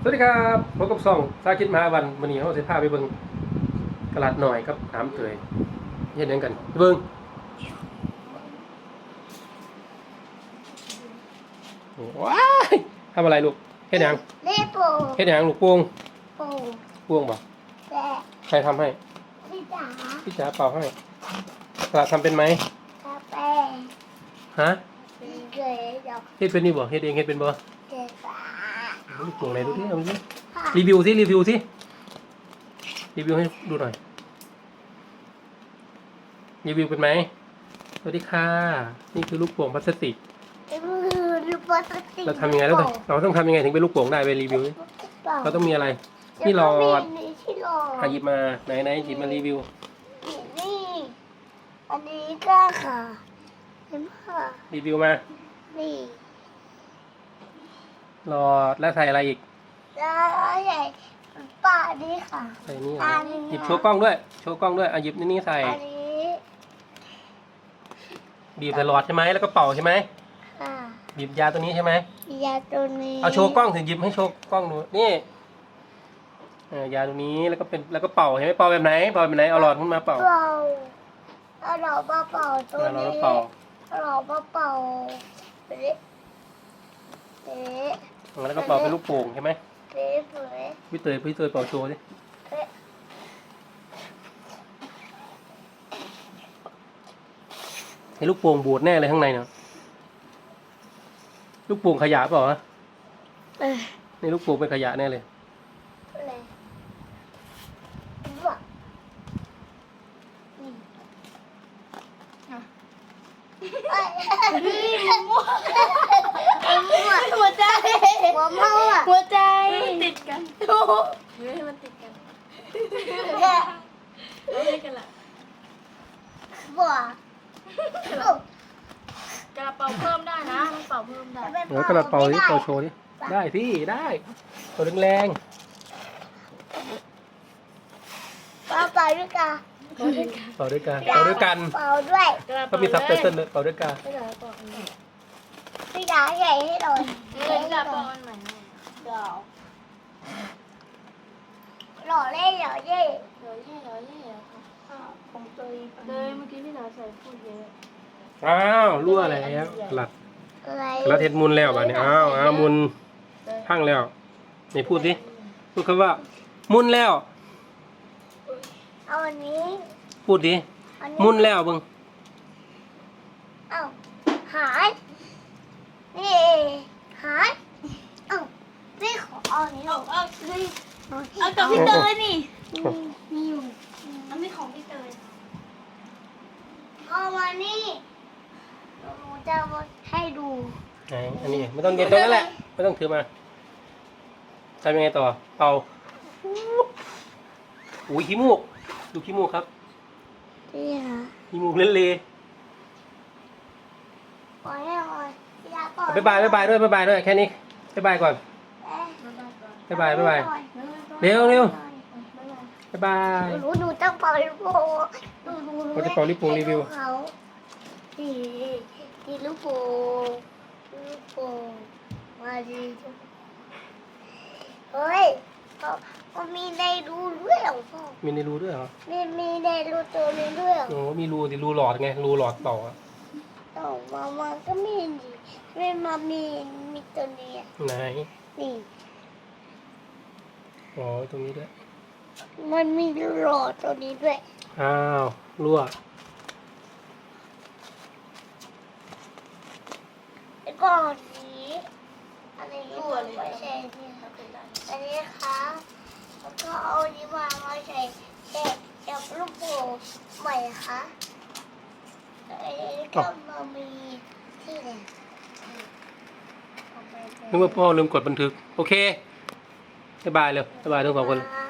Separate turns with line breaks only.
สวัสดีครับพบกับซ่องสาคิดมหาวันนี้เขาจะพาไปเบิ่งตลาดหน่อยครับน้ำเตยเห็นยังกันไปเบิ่งว้ายทำอะไรลูกเฮ็ดยัง
เล่ปู
เฮ็ดยังลูกพวง
ปู
พวงบ่ใครทำให้พี่จ๋าเป่าให้ตลาดทำเป็นไหม
กาแฟ
ฮะ
เกยดอก
เฮ็ดเป็นนี่บ่เฮ็ดเองเฮ็ดเป็นบ่
เกยฟ้า
ลูกพวงไหนดูดิเอาดิรีวิวสิรีวิวให้ดูหน่อยรีวิวเป็นไหมสวัสดีค่ะนี่คือลูกโป่งพลาสติกเราทำยังไงแล้วเราต้องทำยังไงถึงเป็นลูกโป่งได้ไปรีวิวเราต้องมีอะไรนี่หลอดหยิบมาไหนหยิบมารีวิว
นี่อันนี้ก็ค่ะเห็นไหม
รีวิวมา
นี่
หลอดแล้วใส่อะไรอีก
แล้วใส่ป้านี่ค่ะ
ใส่นี่หยิบโชว์กล้องด้วยหยิบนี่ใส่
อันนี้
บีบใส่หลอดใช่ไหมแล้วก็เป่าใช่ไหมบีบยาตัวนี้ใช่ไหม
ยาตัวนี้
เอาโชว์กล้องถึงหยิบให้โชว์กล้องดูนี่ยาตัวนี้แล้วก็เป่าใช่ไหมเป่าแบบไหนเอาหลอดขึ้นมาเป่า
เอาหลอดมาเป่าตัวนี้เอาหลอดมาเป่า
แล้วก็เป่าเป็นลูกโป่งใช่ไหมพี่เตยเป่าโชว์ดิไอ้ลูกโป่งบูดแน่เลยข้างในเนาะลูกโป่งขยะเปล่าฮะนี่ลูกโป่งเป็นขยะแน่เลย
หัวใจ
ติดกันให้มันติดกันไม่กันละ
บัว
กระเป๋าเพิ่มได้นะมันเป่าเพิ่มได้
กระดาษเป่าดิเป่าโชว์ดิได้ที่ได้ตัวแรง
เป่าด้วยกัน
เป่าด้วยกันก็มีซับไตเติ้ลเลยเป่าด้วยกัน
พี่ดาใหญ่ให้โดน
เลยกระเป๋าอันใหม่
หล่อเล่หล่อเย่
ผมเลยเมื่อกี้พี่ดาใส่พูดเยอะ
อ้าวรั่วแล้วหลัดแล้วเทศมุนแล้วแบบนี้อ้าวมุนพังแล้วนี่พูดคำว่ามุนแล้ว
เอาอันนี้
พูดดิมุนแล้วบึง
เอาหายนี่หายเอาพี่ขอเอานี้
เอากับพี่เตยนี่
มีอยู่
อันนี้ของพี่เตย
เอามานี่หนูจะมาให้ดู
ไหนอันนี้ไม่ต้องเย็นตรงนั้นแหละไม่ต้องถือมาทำยังไงต่อเป่าอุ้ยขี้มูกดูขี้มูกครับ
นี่ค่ะ
ขี้มูกเละ
ปล่อยให้ก่อน
บ๊ายบายด้วยแค่นี้บ๊ายบายก่อนบ๊ายบายเร็วบ๊ายบาย
หนูต้องเป่าลูกโป่ง
เราจะเป่าลูกโป่งรีวิว
เขาดีลูกโป่งมาดีเฮ้ยมันมีในรูด้วยเหรอพ่อ
มีในรูด้วยเหรอ
มีในรูตัวนี้ด้วยเหรอ
โอ้มีรูสิรูหลอดไงรูหลอดเป่าอะ
มาก็มีดิไม่มามีตัวนี้
ไหน
นี่
อ๋อตรงนี้ด้วย
มันมีหลอดตัวนี้ด้วย
อ้าวรั่ว
แล้วก็นี้อันนี้ไม่ใช่นี่อันนี้ค่ะแล้วก็เอานี้มาใส่กับลูกโป่งใหม่ค่ะอันนี้ก็มามีที่ไหน
นึกว่าพ่อลืมกดบันทึกโอเคบ๊ายบายเลยบ๊ายบายทุกคน